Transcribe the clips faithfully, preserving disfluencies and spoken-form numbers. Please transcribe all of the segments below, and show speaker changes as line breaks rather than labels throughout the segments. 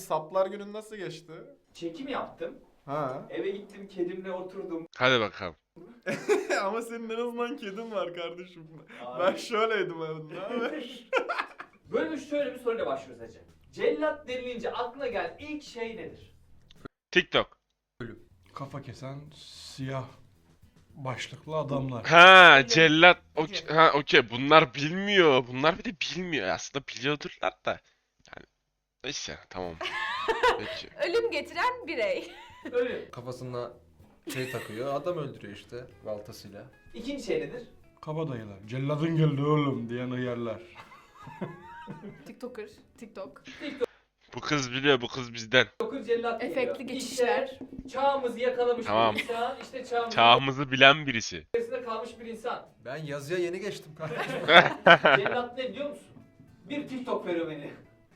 saplar günün nasıl geçti?
Çekim yaptım.
Ha.
Eve gittim, kedimle oturdum.
Hadi bakalım.
Ama senin en azından kedin var kardeşim.
Abi.
Ben şöyleydim evde. Ne haber?
Bölümü şöyle bir soruyla başlıyoruz hacı. Cellat denilince aklına gelen ilk şey nedir?
TikTok.
Kafa kesen siyah başlıklı adamlar.
Ha cellat. Okey. Ha okey. Bunlar bilmiyor. Bunlar bir de bilmiyor. Aslında biliyordurlar da. Yani neyse tamam. Peki.
Ölüm getiren birey.
Öyle.
Kafasına şey takıyor, adam öldürüyor işte baltasıyla.
İkinci şey nedir?
Kabadayılar. Celladın geldi oğlum diyen hıyarlar.
TikToker, TikTok.
Bu kız biliyor. Bu kız bizden.
Dokuz cellat geliyor.
Efektli geçişler.
İşte çağımızı yakalamış
Tamam.
bir insan. İşte çağımızın
Çağımızı bilen birisi.
içerisinde kalmış bir insan.
Ben yazıya yeni geçtim kardeşim.
Cellat ne biliyor musun? Bir TikTok fenomeni.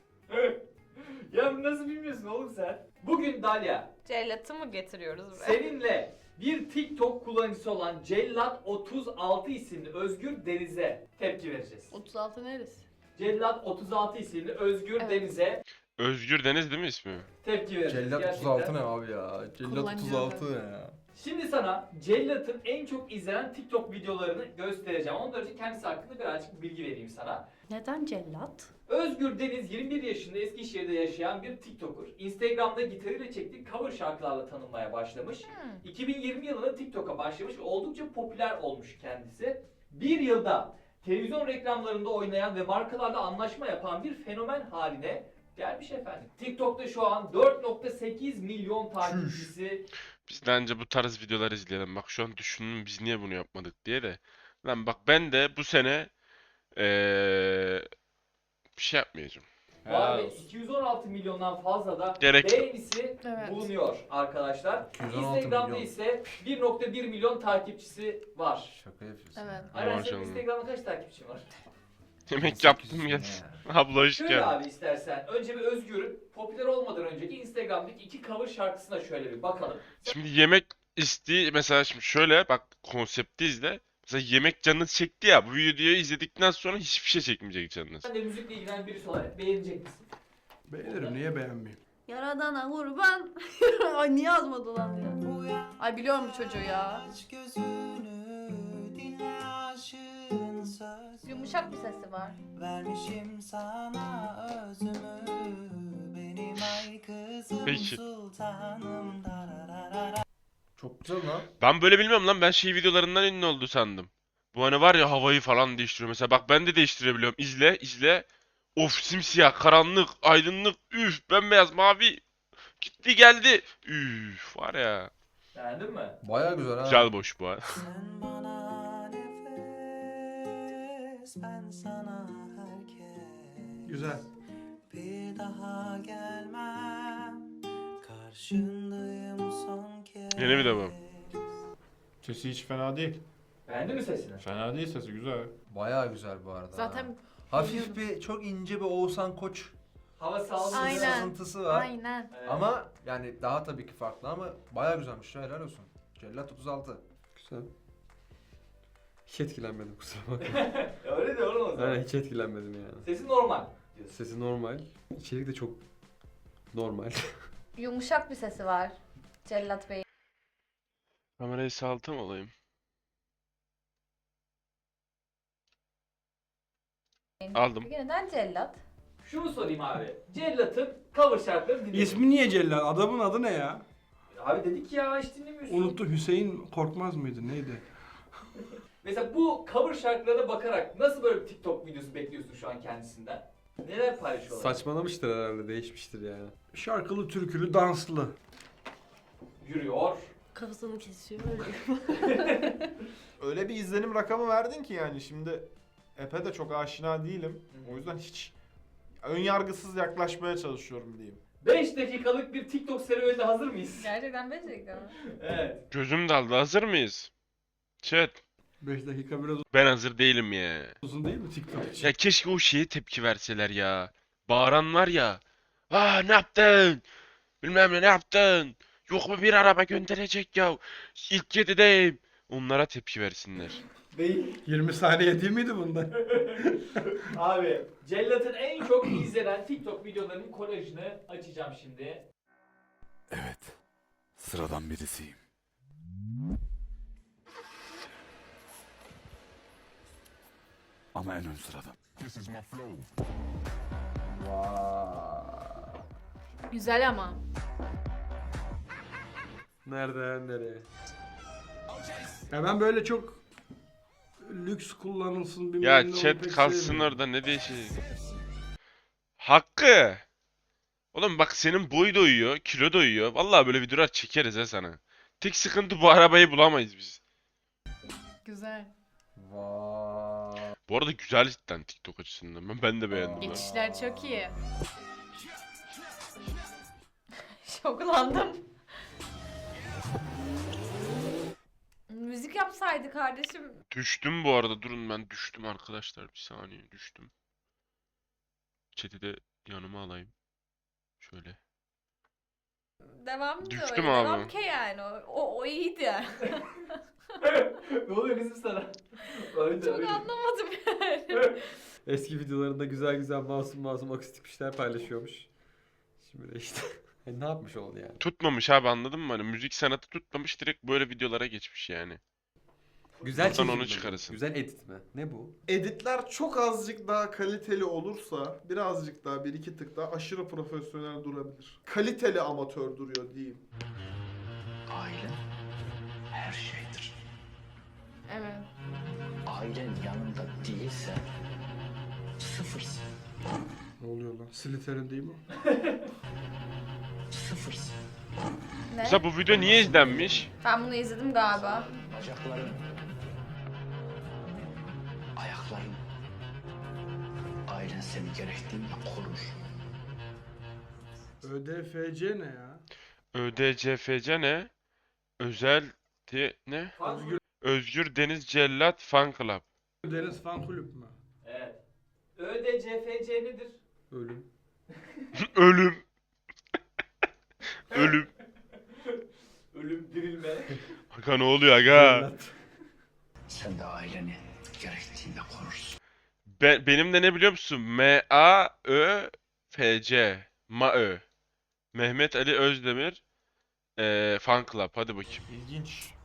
Ya nasıl bilmiyorsun oğlum sen? Bugün Dalia,
Cellatı mı getiriyoruz buraya?
seninle bir TikTok kullanıcısı olan Cellat otuz altı isimli Özgür Deniz'e tepki vereceğiz.
otuz altı neresi?
Cellat otuz altı isimli Özgür
Evet.
Deniz'e
Özgür Deniz değil mi ismi?
tepki vereceğiz.
Cellat
gerçekten.
otuz altı ne abi ya? Cellat
Kullanıcı
otuz altı ne ya?
Şimdi sana Cellat'ın en çok izlenen TikTok videolarını göstereceğim. Ondan önce kendisi hakkında birazcık bilgi vereyim sana.
Neden cellat?
Özgür Deniz yirmi bir yaşında Eskişehir'de yaşayan bir TikToker. Instagram'da gitarıyla çektiği cover şarkılarla tanınmaya başlamış.
Hmm.
iki bin yirmi yılında TikTok'a başlamış ve oldukça popüler olmuş kendisi. Bir yılda televizyon reklamlarında oynayan ve markalarla anlaşma yapan bir fenomen haline gelmiş efendim. TikTok'ta şu an dört nokta sekiz milyon takipçisi.
Biz de anca bu tarz videolar izleyelim. Bak şu an düşündüm biz niye bunu yapmadık diye de. Lan bak ben de bu sene eee bir şey yapmayacağım.
Var ve iki yüz on altı milyondan fazla da
Gerek yok.
beğenisi
Evet.
bulunuyor arkadaşlar.
iki yüz on altı
Instagram'da
milyon.
ise bir nokta bir milyon takipçisi var.
Şaka yapıyorsun.
Evet.
Aynen senin
Maşallah.
Instagram'da kaç takipçin var?
Yemek yaptım gel. Abla hoş
Şöyle
geldin.
abi istersen önce bir Özgür'ün popüler olmadan önceki Instagram'daki iki cover şarkısına şöyle bir bakalım.
Şimdi yemek isteği mesela şimdi şöyle bak konsepti izle. Mesela yemek canınız çekti ya bu videoyu izledikten sonra hiçbir şey çekmeyecek canınız.
Sen de müzikle ilgilenen birisi olarak beğenecek misin?
Beğenirim, niye beğenmeyeyim?
Yaradana kurban. Ay niye yazmadı lan ya? Ay biliyorum bu çocuğu ya. Yumuşak bir sesi var.
Vermişim sana özümü, benim ay kızım
Peki.
sultanım dararara.
Çok güzel lan.
Ben böyle bilmiyorum lan ben şey videolarından ünlü oldu sandım. Bu hani var ya havayı falan değiştiriyor. Mesela bak ben de değiştirebiliyorum. İzle izle. Of simsiyah, karanlık, aydınlık, üf, bembeyaz, mavi. Gitti geldi. Üf var ya.
Beğendin mi?
Baya güzel ha.
Güzel boş bu ha.
Sen bana nefes, ben sana herkes.
Güzel.
Bir daha gelmem, karşındayım son kez.
Yeni bir de bu.
Sesi hiç fena değil.
Beğendin mi sesini?
Fena değil sesi güzel.
Baya güzel bu arada.
Zaten
ha. Hafif bir çok ince bir Oğuzhan Koç
Hava sağlıklı.
Aynen.
sızıntısı var.
aynen.
Evet.
Ama yani daha tabii ki farklı ama baya güzelmiş ya, helal olsun. Cellat otuz altı.
Güzel. Hiç etkilenmedim kusura bakma.
Öyle de oğlum o zaman.
Aynen hiç etkilenmedim yani.
Sesi normal diyorsun.
Sesi normal. İçerik de çok normal.
Yumuşak bir sesi var. Cellat Bey.
Kamerayı saltı mı olayım? Aldım.
Peki neden cellat?
Şunu sorayım abi. Cellat'ın cover şarkılarını dinledin.
İsmi niye Cellat? Adamın adı ne ya?
Abi dedik ya hiç dinlemiyorsun.
Unuttu, Hüseyin Korkmaz mıydı neydi?
Mesela bu cover şarkılarına bakarak nasıl böyle bir TikTok videosu bekliyorsun şu an kendisinden? Neler paylaşıyorlar?
Saçmalamıştır herhalde, değişmiştir yani.
Şarkılı, türkülü, danslı.
Yürüyor.
Kafasını kesiyor öyle.
Öyle bir izlenim rakamı verdin ki yani şimdi Epe de çok aşina değilim. O yüzden hiç ön yargısız yaklaşmaya çalışıyorum diyeyim.
beş dakikalık bir TikTok serüvenine hazır mıyız?
Gerçekten becerikli ama.
Evet.
Gözüm daldı. Hazır mıyız? Chat.
beş dakika biraz
Ben hazır değilim ya.
uzun değil mi TikTok için?
Ya keşke o şeye tepki verseler ya. Bağıran var ya. Aa ne yaptın? Bilmem ne ne yaptın? Yok mu bir araba gönderecek ya? İlk yedideyim. Onlara tepki versinler.
Değil.
yirmi saniye değil miydi bunda?
Abi Cellat'ın en çok izlenen TikTok videolarının kolajını açacağım şimdi.
Evet, sıradan birisiyim. Ama en ön sıradan.
Güzel ama.
Nereden nereye?
Ya ben böyle çok lüks kullanılsın bilmem
Ya
ne onu
chat
pek
kalsın
sevmiyorum.
orada ne değişecek? Hakkı. Oğlum bak senin boy doyuyor, kilo doyuyor. Vallahi böyle videolar çekeriz ha sana. Tek sıkıntı bu arabayı bulamayız biz.
Güzel.
Vay.
Bu arada güzel cidden TikTok açısından. Ben, ben de beğendim. ha.
Geçişler çok iyi. Şoklandım. Müzik yapsaydı kardeşim.
Düştüm bu arada. Durun ben düştüm arkadaşlar. Bir saniye düştüm. Chat'i de yanıma alayım. Şöyle.
Devam da
Düştüm
öyle.
abi.
Devam ki yani. O, o, o iyiydi.
Ne oluyor kızım sana? Öyle,
Çok
öyle.
anlamadım yani.
Eski videolarında güzel güzel masum masum akustik bir şeyler paylaşıyormuş. Şimdi de işte hani ne yapmış oldu yani?
Tutmamış abi anladın mı? Hani müzik sanatı tutmamış direkt böyle videolara geçmiş yani.
Güzel
Buradan
çekim
onu
mi bu?
çıkarırsın.
Güzel edit mi? Ne bu?
Editler çok azıcık daha kaliteli olursa birazcık daha bir iki tık daha aşırı profesyonel durabilir. Kaliteli amatör duruyor diyeyim.
Aile her şeydir.
Evet.
Ailen yanında değilse sıfırsın.
Ne oluyor lan? Slytherin değil mi?
Sıfırsın.
Ne?
Mesela bu video niye izlenmiş?
Ben bunu izledim galiba.
Bacakların, ayakların, ailen seni gerektiğinde korur.
ÖDFC ne ya?
ÖDCFC ne? Özel de ne?
Özgür.
Özgür Deniz Cellat Fan Club.
Deniz Fan Kulüp mü?
Evet. ÖDCFC nedir?
Ölüm.
Ölüm. Ölüm.
Ölüm, dirilme.
Aga ne oluyor aga?
Cellat.
Sen de aileni gerektiğinde korursun.
Ben, benim de ne biliyor musun? M A Ö F C. MAÖ. Mehmet Ali Özdemir. Eee Fan Club. Hadi bakayım.
İlginç.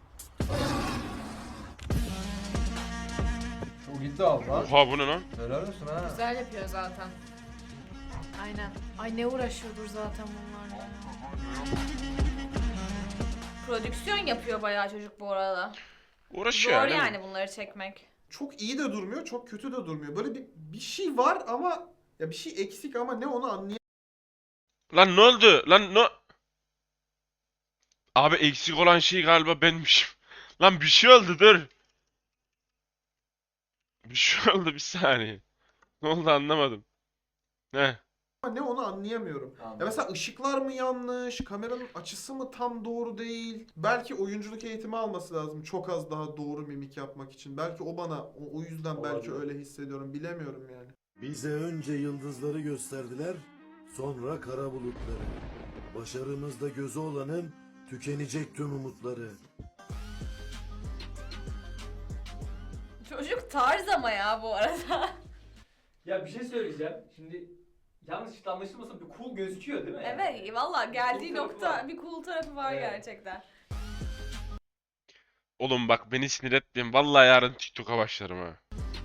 Çok iddialı lan.
Oha bu ne lan?
Helal olsun ha.
Güzel yapıyor zaten. Aynen. Ay ne uğraşıyordur zaten bunlarla. ya. Prodüksiyon yapıyor bayağı çocuk bu arada.
Uğraşıyor
Zor
yani.
yani bunları çekmek.
Çok iyi de durmuyor, çok kötü de durmuyor. Böyle bir bir şey var ama ya bir şey eksik ama ne onu anlayamıyorum.
Lan ne oldu? Lan ne? Abi eksik olan şey galiba benmişim. Lan bir şey oldu dur. Bir şey oldu bir saniye. Ne oldu anlamadım. Ne?
Ama ne onu anlayamıyorum. Ya mesela ışıklar mı yanlış, kameranın açısı mı tam doğru değil? Belki oyunculuk eğitimi alması lazım çok az daha doğru mimik yapmak için. Belki o bana o, o yüzden belki öyle hissediyorum. Bilemiyorum yani.
Bize önce yıldızları gösterdiler, sonra kara bulutları. Başarımızda gözü olanın tükenecek tüm umutları.
Çocuk tarz ama ya bu arada.
Ya bir şey söyleyeceğim. Şimdi yanlış anlaşılmasın bir cool gözüküyor değil mi?
Evet valla geldiği
Bir cool tarafı
nokta
var.
bir cool tarafı var
Evet.
gerçekten.
Oğlum bak beni sinir etmeyin. Vallahi yarın TikTok'a başlarım ha.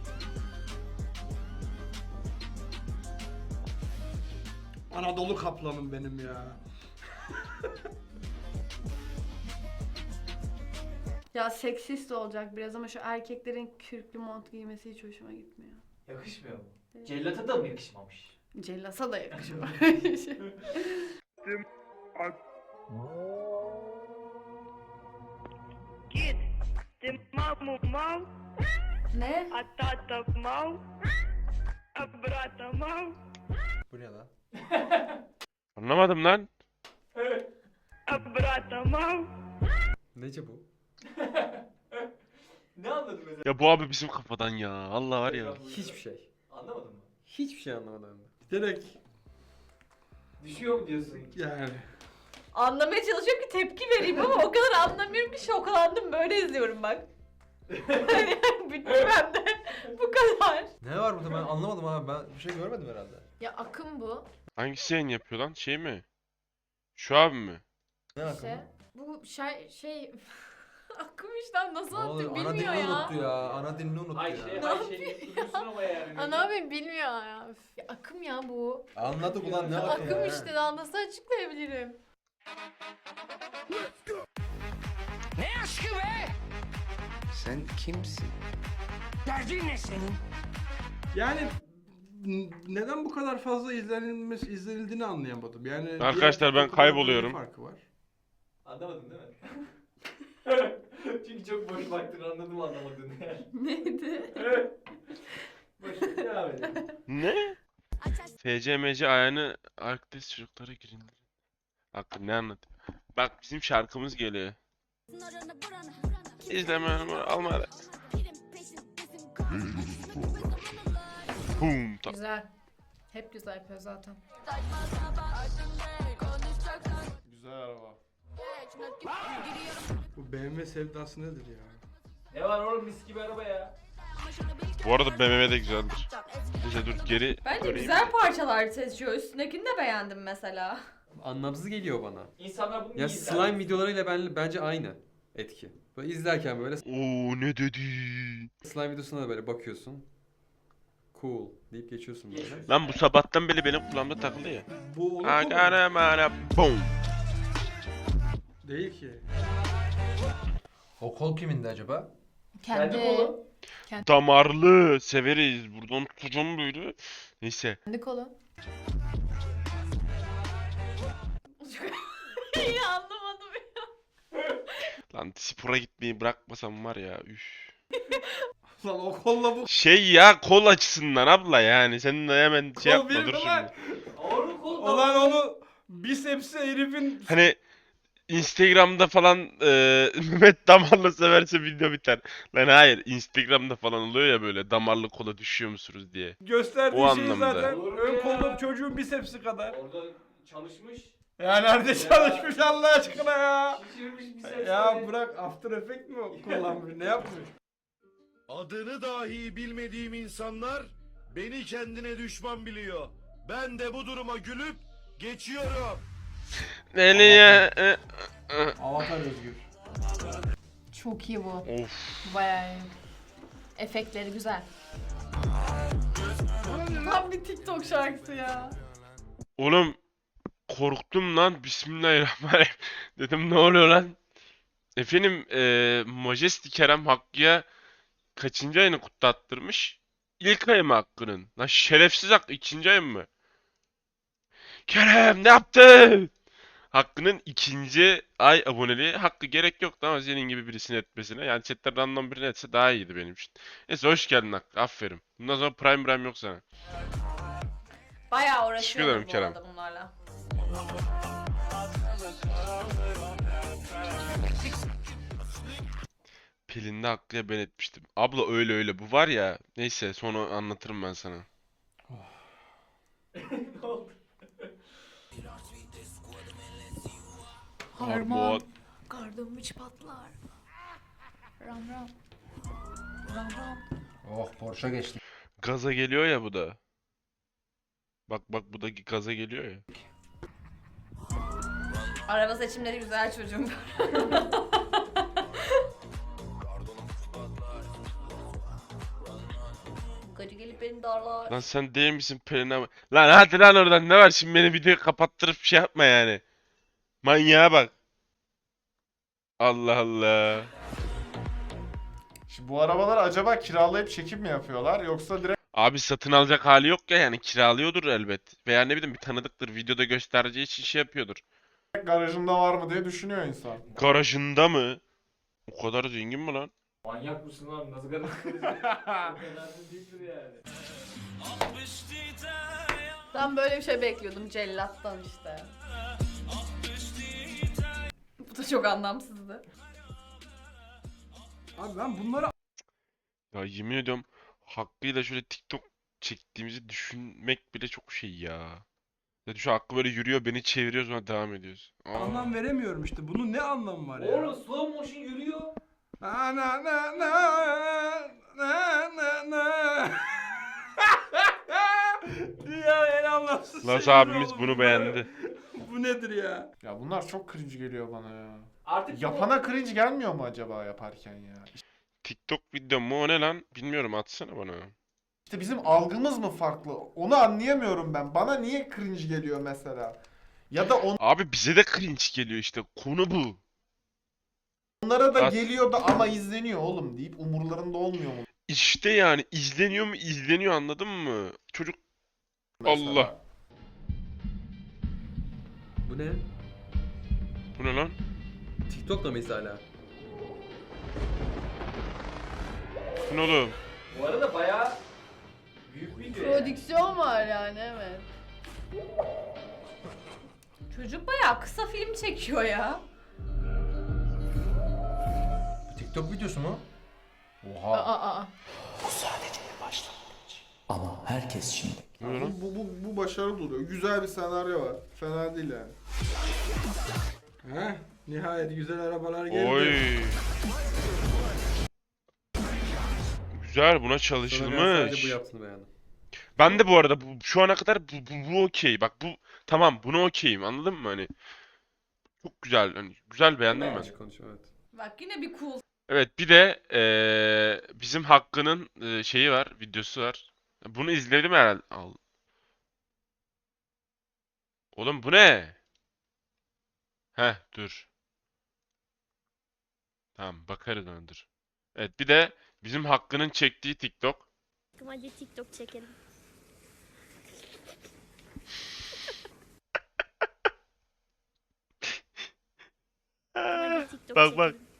Anadolu kaplanım benim ya.
Ya seksist olacak biraz ama şu erkeklerin kürklü mont giymesi hiç hoşuma gitmiyor.
Yakışmıyor mu? Cellata da mı yakışmamış?
Cellasa da yakışıyor.
Kid, de mamo mal,
Ne?
a tata mal, a brata mal,
Bu ne lan?
Anlamadım lan.
a brata mal.
Nece bu?
Ne anladın mesela?
Ya bu abi bizim kafadan ya. Allah var ya.
Hiçbir şey.
Anlamadın mı?
Hiçbir şey anlamadım.
Direkt
Düşüyor mu diyorsun?
yani.
Anlamaya çalışıyorum ki tepki vereyim ama o kadar anlamıyorum ki şoklandım böyle izliyorum bak. Hani bitti bende. Bu kadar.
Ne var burada ben anlamadım abi. Ben bir şey görmedim herhalde.
Ya akım bu.
Hangisi yayın yapıyor lan? Şey mi? Şu abi mi?
Ne akım?
İşte bu şey şey akım işte nasıl
Ne oluyor?
attı
Ana
bilmiyor
dilini
ya.
unuttu ya. Ana dilini unuttu
Ayşe,
ya.
Ne
Ayşe duruyorsun ama yani.
Ana abi bilmiyor ya. Üf, ya. Akım ya bu.
Anladık ulan ne akım
Akım
ya.
işte daha nasıl açıklayabilirim?
Sen kimsin?
Yani n- neden bu kadar fazla izlenilmesi izlenildiğini anlayamadım. Yani diğer
Arkadaşlar, ben
TikTok'lardan
kayboluyorum.
ne farkı var?
Anlamadın değil mi? Çünkü çok boş baktın, anladım anlamadığını yani.
Neydi?
Boş devam edelim.
Ne? F C M C ayağını Arktis çocuklara girin. Hakkı ne anlatıyor? Bak bizim şarkımız geliyor. İzleme alma. Boom. Ta-
Güzel. Hep güzel yapıyor zaten.
Güzel araba.
Bu B M W sevdası nedir ya?
Ne var oğlum, mis gibi araba ya.
Bu arada B M W de güzeldir. Neyse dur geri
Bence
döneyim.
güzel parçalar seçiyor. Üstündekini de beğendim mesela.
Anlamsız geliyor bana.
İnsanlar bunu
Ya
iyi izler.
slime videolarıyla ben, bence aynı etki. Böyle izlerken böyle
Oo ne dedi?
slime videosuna da böyle bakıyorsun. Cool deyip geçiyorsun böyle.
Geçiyorsun.
Lan bu sabahtan beri benim kulağımda takılı ya.
Bu onun
Agara mara boom.
değil ki.
O kol kimindi acaba?
Kendi kolu.
Damarlı severiz. Buradan tutacağım böyle. Neyse.
Kendi kolu. İyi anlamadım ya.
Lan spora gitmeyi bırakmasam var ya. Üf.
Lan o kolla bu
Şey ya kol açısından abla yani. Sen de hemen şey
kol
yapma
bir
dur
lan.
şimdi.
Oğlum kolu.
Olan onu bisepsi herifin
Hani Instagram'da falan e, Mehmet damarlı severse video biter. Lan hayır Instagram'da falan oluyor ya böyle damarlı kola düşüyor musunuz diye.
gösterdiği
O
şey
anlamda.
zaten
Olur mu
ön
ya?
kolda çocuğun bisepsi kadar.
Orada çalışmış.
Ya nerede çalışmış Allah aşkına ya?
Şişirmiş bir ses.
Ya bırak After Effect mi kullanmış ne yapmış?
Adını dahi bilmediğim insanlar beni kendine düşman biliyor. Ben de bu duruma gülüp geçiyorum.
Nereye? E, e,
Avatar Özgür.
Çok iyi bu.
Of.
Bayağı iyi. Efektleri güzel. Tam bir TikTok şarkısı ya.
Oğlum korktum lan. Bismillahirrahmanirrahim. Dedim ne oluyor lan? Efendim e, Majesty Kerem Hakkı'ya kaçıncı ayını kutlattırmış? İlk ayı mı Hakkı'nın? Lan şerefsiz Hakkı ikinci ayı mı? Kerem ne yaptın? Hakkı'nın ikinci ay aboneliği. Hakkı gerek yoktu ama senin gibi birisini etmesine. Yani chatten random birini etse daha iyiydi benim için. Neyse hoş geldin Hakkı. Aferin. Bundan sonra Prime Prime yok sana.
Bayağı
Teşekkür ederim
uğraşıyorum bu
Kerem.
arada bunlarla.
Pelin'de Hakkı'ya ben etmiştim. Abla öyle öyle. Bu var ya. Neyse sonra anlatırım ben sana.
Ne oldu?
Harman.
Kardım hiç patlar. Ram ram. Ram ram.
Oh Porsche geçti.
Gaza geliyor ya bu da. Bak bak bu da gaza geliyor ya.
Araba seçimleri güzel çocuğum. Gacı gelip beni darlar.
Lan sen değil misin Pelin abi? Lan hadi lan oradan ne var şimdi beni videoyu kapattırıp şey yapma yani. Manyağa bak. Allah Allah.
Şimdi bu arabalar acaba kiralayıp çekim mi yapıyorlar yoksa direkt
Abi satın alacak hali yok ya yani kiralıyordur elbet. Veya ne bileyim bir tanıdıktır videoda göstereceği için şey yapıyordur.
garajında var mı diye düşünüyor insan.
Garajında mı? O kadar zengin mi lan?
Manyak mısın lan? Nasıl kadar O kadar da değildir yani.
Ben böyle bir şey bekliyordum cellattan işte. Bu da çok anlamsızdı.
Abi ben bunları
Ya yemin ediyorum Hakkı'yla şöyle TikTok çektiğimizi düşünmek bile çok şey ya. Ya düşün Hakkı böyle yürüyor beni çeviriyor sonra devam ediyoruz. Aa.
anlam veremiyorum işte. Bunun ne anlamı var ya?
Oğlum slow motion yürüyor.
Na na na na ne ne ne. Ya en anlamsız
Las
şey
abimiz
oldu
bunu
bu.
beğendi.
Bu nedir ya?
Ya bunlar çok cringe geliyor bana ya.
Artık bu-
Yapana cringe gelmiyor mu acaba yaparken ya?
TikTok video mu o ne lan? Bilmiyorum, atsana bana.
İşte bizim algımız mı farklı? Onu anlayamıyorum ben. Bana niye cringe geliyor mesela? Ya da
Abi bize de cringe geliyor işte. Konu bu.
onlara da
At-
geliyor da ama izleniyor oğlum deyip umurlarında olmuyor mu?
İşte yani izleniyor mu izleniyor, anladın mı? Çocuk
Mesela?
Allah.
Bu ne?
Bu ne lan?
TikTok'ta mıyız hala?
Bu ne oğlum?
Bu arada bayağı büyük video yani.
Prodüksiyon var yani, evet. Çocuk bayağı kısa film çekiyor ya.
Bu TikTok videosu mu?
Aa,
Oha.
aa, aa.
Ama herkes şimdi.
Bu ne lan?
Bu, bu, bu başarılı duruyor. Güzel bir senaryo var. Fena değil yani.
Heh, nihayet güzel arabalar geldi.
Oy. Güzel, buna
Sana ben
çalışılmış.
sadece bu yaptığını beğendim.
Ben de bu arada bu, şu ana kadar bu, bu, bu okey. Bak bu tamam, bunu okeyim, anladın mı hani? Çok güzel, hani güzel, beğendim ben.
Açık konuşuyor, evet.
Bak yine bir cool.
Evet, bir de eee, bizim Hakkı'nın eee, şeyi var, videosu var. Bunu izledim herhalde. Al. Oğlum bu ne? Heh, dur. Tamam, bakarız ona, dur. Evet, bir de bizim Hakkı'nın çektiği TikTok.
Hadi TikTok çekelim. Hadi TikTok
Bak bak.
çekelim.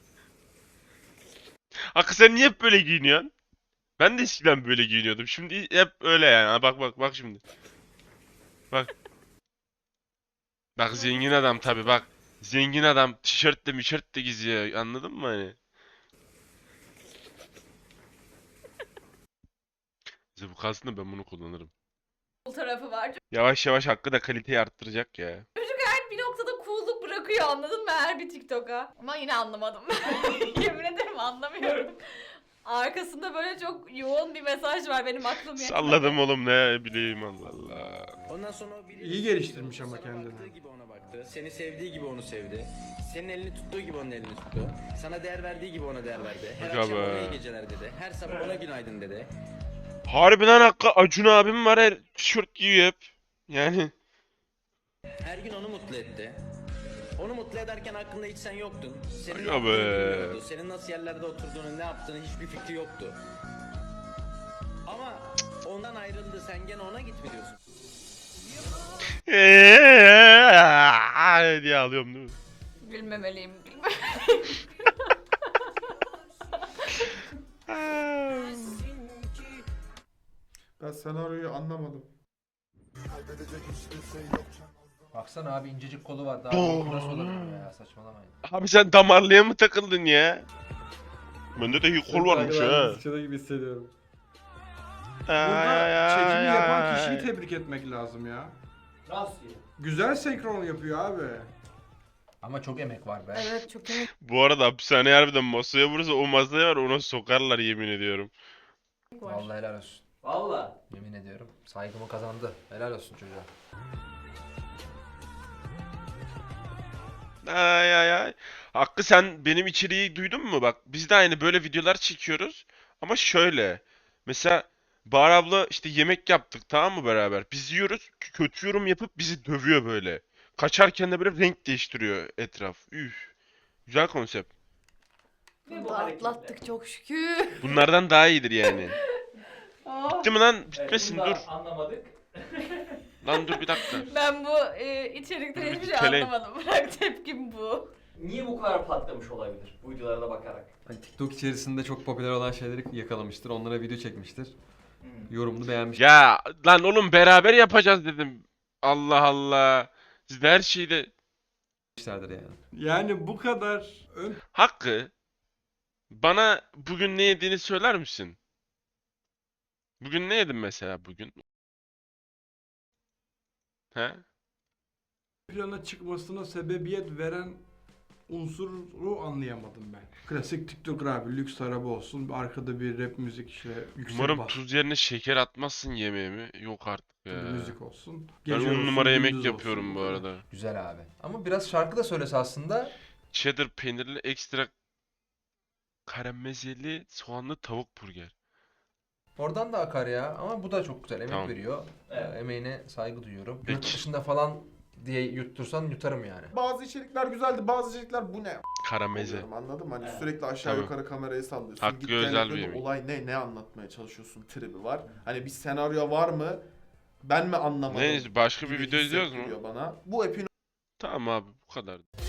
Hakkı sen niye hep böyle giyiniyorsun? Ben de eskiden böyle giyiniyordum. Şimdi hep öyle yani. Ha, bak bak bak şimdi. Bak. Bak zengin adam tabi bak. Zengin adam tişörtle mişörtle geziyor. Anladın mı hani? Bize bu kalsın da ben bunu kullanırım.
tarafı var.
Yavaş yavaş Hakkı da kaliteyi arttıracak ya.
Çocuk bir noktada cool'luk bırakıyor, anladın mı, her bir TikTok'a. Ama yine anlamadım. Yemin ederim anlamıyorum. Arkasında böyle çok yoğun bir mesaj var, benim aklım yetmedi.
Salladım oğlum, ne bileyim, Allah Allah.
Ondan sonra o biri
İyi geliştirmiş ama
sana
kendini.
baktığı gibi ona baktı. Seni sevdiği gibi onu sevdi. Senin elini tuttuğu gibi onun elini tuttu. Sana değer verdiği gibi ona değer verdi. Her
Aga
akşam
be.
ona iyi geceler dedi. Her sabah ona günaydın dedi.
Harbiden Hakkı, Acun abim var, her tişört giyiyor hep. Yani
Her gün onu mutlu etti. Onu mutlu ederken aklında hiç sen yoktun. Senin
Aga
ne yaptığını
be.
bilmiyordu. Senin nasıl yerlerde oturduğunu, ne yaptığını hiçbir fikri yoktu. Ama ondan ayrıldı. Sen gene ona git mi diyorsun?
eee diye alıyorum değil mi?
Gülmemeliyim.
Ben senaryoyu anlamadım.
Baksana abi, incecik kolu var. Daha
Doğru.
bu nasıl olabilir ya, saçmalamayın.
Abi sen damarlıya mı takıldın ya? Bende de iyi kol varmış
Ben
ha.
sıçradı gibi hissediyorum.
Burada çekimi yapan
ay,
kişiyi
ay.
tebrik etmek lazım ya.
Nasıl ya?
Güzel senkron yapıyor abi.
Ama çok emek var be.
Evet, çok emek
Bu arada hapishane harbiden masaya vurursa o masaya var, ona sokarlar yemin ediyorum.
var.
Vallahi helal olsun.
Valla.
Yemin ediyorum. Saygımı kazandı. Helal olsun çocuğa.
Ay ay ay. Hakkı, sen benim içeriği duydun mu? Bak biz de aynı böyle videolar çekiyoruz. Ama şöyle. Mesela Bahar abla işte yemek yaptık, tamam mı, beraber? Biz yiyoruz. k- Kötü yorum yapıp bizi dövüyor böyle. Kaçarken de böyle renk değiştiriyor etraf. Üf. Güzel konsept.
Ve
Bunu
bu
da
hareketle.
atlattık çok şükür.
Bunlardan daha iyidir yani.
Oh.
Bitti mi lan?
Evet,
Bitmesin,
bunu da
dur.
anlamadık.
Lan dur bir dakika.
Ben bu e, içerikten
Dur,
hiçbir şey
keleyim.
anlamadım. Bırak, tepkim bu.
Niye bu kadar patlamış olabilir bu videolara da bakarak?
Hani TikTok içerisinde çok popüler olan şeyleri yakalamıştır. Onlara video çekmiştir.
Hmm.
Yorumunu beğenmiş.
Ya lan oğlum, beraber yapacağız dedim. Allah Allah. Siz de her şeyde...
Yapmışlardır yani.
Yani bu kadar ön
Hakkı, bana bugün ne yediğini söyler misin? Bugün ne yedin mesela bugün? He?
plana çıkmasına sebebiyet veren unsuru anlayamadım ben. Klasik TikToker abi, lüks araba olsun, arkada bir rap müzik, işte yüksek
Umarım
bas
tuz yerine şeker atmazsın yemeğimi. Yok artık ya.
müzik olsun.
Ben
Gece
on
olsun,
numara yemek
gündüz
yapıyorum
olsun,
bu
kadar.
arada.
Güzel abi. Ama biraz şarkı da söylese aslında.
Cheddar peynirli ekstra karamelize soğanlı tavuk burger.
Oradan da akar ya. Ama bu da çok güzel. Emek
Tamam.
veriyor.
Evet.
Ee, emeğine saygı duyuyorum.
Peki.
Yurt dışında falan diye yuttursan yutarım yani.
Bazı içerikler güzeldi, bazı içerikler bu ne?
Karameze.
Oluyorum, anladın mı? Hani
Evet.
sürekli aşağı
Tamam.
yukarı kamerayı sallıyorsun.
Hakkı
Git
özel
geldiklerinde
bir yemek.
olay ne? Ne anlatmaya çalışıyorsun tribi var. Hani bir senaryo var mı? Ben mi anlamadım?
Neyse başka bir
gibi
video izliyoruz mu?
hissettiriyor bana. Bu epin
Tamam abi bu kadar.